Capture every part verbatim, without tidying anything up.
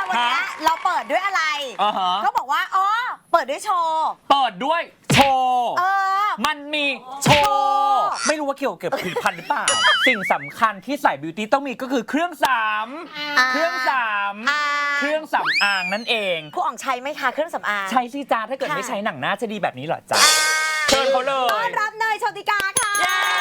วันนี้เราเปิดด้วยอะไรเขาบอกว่าอ๋อเปิดด้วยโชว์เปิดด้วยโชว์เออมันมีโชว์ไม่รู้ว่าเกี่ยวกับผลิตภัณฑ์หรือเปล่าสิ่งสำคัญที่ใส่บิวตี้ต้องมีก็คือเครื่องสามเครื่องสามเครื่องสำอางนั่นเองครูอ่องใช้ไหมคะเครื่องสำอางใช้สิจ้าถ้าเกิดไม่ใช้หนังหน้าจะดีแบบนี้เหรอจ้าเชิญเขาเลยต้อนรับเนยโชติกาค่ะ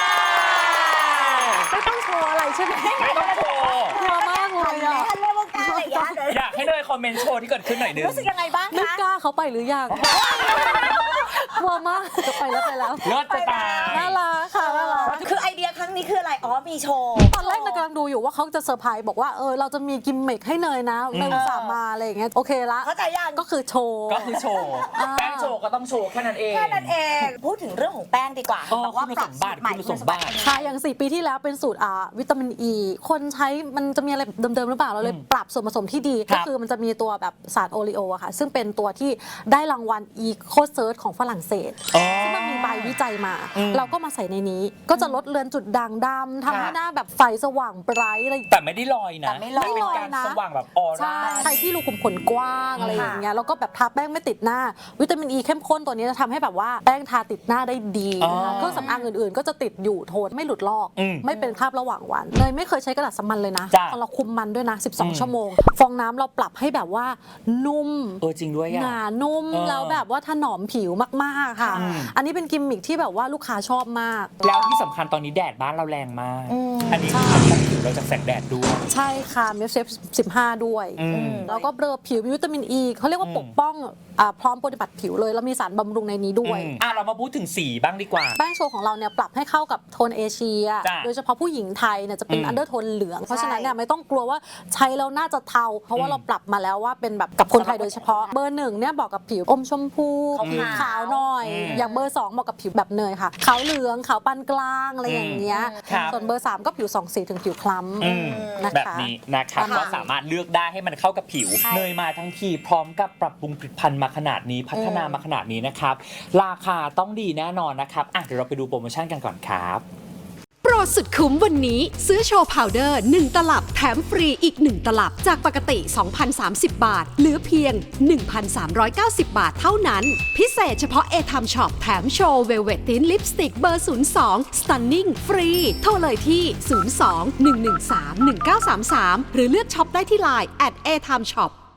ไม่ต้องโชว์อะไรใช่ไหมไม่ต้องโชว์กลัวมากเลยอ่ะท่านเล่นวงการอะไรอย่างเงี้ยอยากให้เนยคอมเมนต์โชว์ที่เกิดขึ้นหน่อยนึงรู้สึกยังไงบ้างคะไม่กล้าเขาไปหรือยังกลัวมากจะไปแล้วไปแล้วเลิศจะตายน่ารักค่ะน่ารักคือไอเดียครั้งนี้คืออะไรอ๋อมีโชว์ตอนแรกนายกำลังดูอยู่ว่าเขาจะเซอร์ไพรส์บอกว่าเออเราจะมีกิมมิคให้เนยนะเนยสามมาอะไรอย่างเงี้ยโอเคละเข้าใจยังก็คือโชว์ก็คือโชว์แป้งโชว์ก็ต้องโชว์แค่นั้นเองแค่นั้นเองพูดถึงเรื่องของแป้งดีกว่าบอกว่าปรับสูตรใหม่คุณสมบัติค่ะอย่างสี่ปีที่แล้วเป็นสูตรอ่าวิตามินอีคนใช้มันจะมีอะไรเดิมๆหรือเปล่าเราเลยปรับส่วนผสมที่ดีก็คือมันจะมีตัวแบบสารโอริโออะค่ะซึ่งเป็นตัวที่ได้รางวัลอีโคเซิร์ชของฝรั่งเศสซึ่งมันมีใบวิจัยมาเราก็มาใส่ในนี้ก็จะลดเลือนจุดด่างดำทำให้หน้าแบบไฟสว่างไบรท์อะไรแต่ไม่ได้ลอยนะไม่ลอยนะสว่างแบบออร่าใครที่รูขุมขนกว้างอะไรอย่างเงี้ยแล้วก็แบบทาแป้งไม่ติดหน้าวิตามินอีเข้มข้นตัวนี้จะทำให้แบบว่าแป้งทาติดหน้าได้ดีเครื่องสำอางอื่นๆก็จะติดอยู่โทนไม่หลุดลอกไม่เป็นคราบระหว่างวันเนยไม่เคยใช้กระดาษสมันเลยนะพอเราคุมมันด้วยนะสิบสองชั่วโมงฟองน้ำเราปรับให้แบบว่านุ่มเออจริงด้วยหนานุ่มแล้วแบบว่าถนอมผิวมากๆค่ะอันนี้เป็นกิมมิคที่แบบว่าลูกค้าชอบมากแล้วที่สำคัญตอนนี้แดดบ้านเราแรงมากอันนี้ป้องผิวเราจากแสงแดดด้วยใช่ค่ะมี เอฟ เอฟ สิบห้าด้วยแล้วก็เบลอผิวมีวิตามินอีเขาเรียกว่าปกป้องพร้อมปฏิบัติผิวเลยแล้วมีสารบำรุงในนี้ด้วยอ่ะเรามาพูดถึงสีบ้างดีกว่าแป้งโชว์ของเราเนี่ยปรับให้เข้ากับโทนเอเชียโดยเฉพาะผู้หญิงไทยเนี่ยจะเป็นอันเดอร์โทนเหลืองเพราะฉะนั้นเนี่ยไม่ต้องกลัวว่าใช้แล้วน่าจะเทาเพราะว่าเราปรับมาแล้วว่าเป็นแบบกับคนไทยโดยเฉพาะเบอร์หนึ่งเนี่ยบอกกับผิวอมชมพูผิวขาวหน่อยอย่างเบอร์สองบอกกับผิวแบบเนยค่ะขาวเหลืองขาวปานกลางอะไรอย่างเงี้ยส่วนเบอร์สามก็ผิวสองสีถึงผิวคล้ำนะคะแบบนี้นะครับก็สามารถเลือกได้ให้มันเข้ากับผิวเนยมาทั้งทีพร้อมกับปรับปรุงผลิตภัณฑ์มาขนาดนี้พัฒนามาขนาดนี้นะครับราคาต้องดีแน่นอนนะครับอ่ะเดี๋ยวเราไปดูโปรโมชั่นกันก่อนครับโปรสุดคุ้มวันนี้ซื้อโชว์พาวเดอร์หนึ่งตลับแถมฟรีอีกหนึ่งตลับจากปกติ สองพันสามสิบ บาทเหลือเพียง หนึ่งพันสามร้อยเก้าสิบ บาทเท่านั้นพิเศษเฉพาะ เอ ที เอ็ม Shop แถมโชว์เวลเวตตินลิปสติกเบอร์ ศูนย์ สอง Stunning ฟรีโทรเลยที่ ศูนย์ สอง หนึ่ง หนึ่ง สาม หนึ่ง เก้า สาม สาม หรือเลือกช็อปได้ที่ไลน์ แอท เอ ที เอ็ม Shop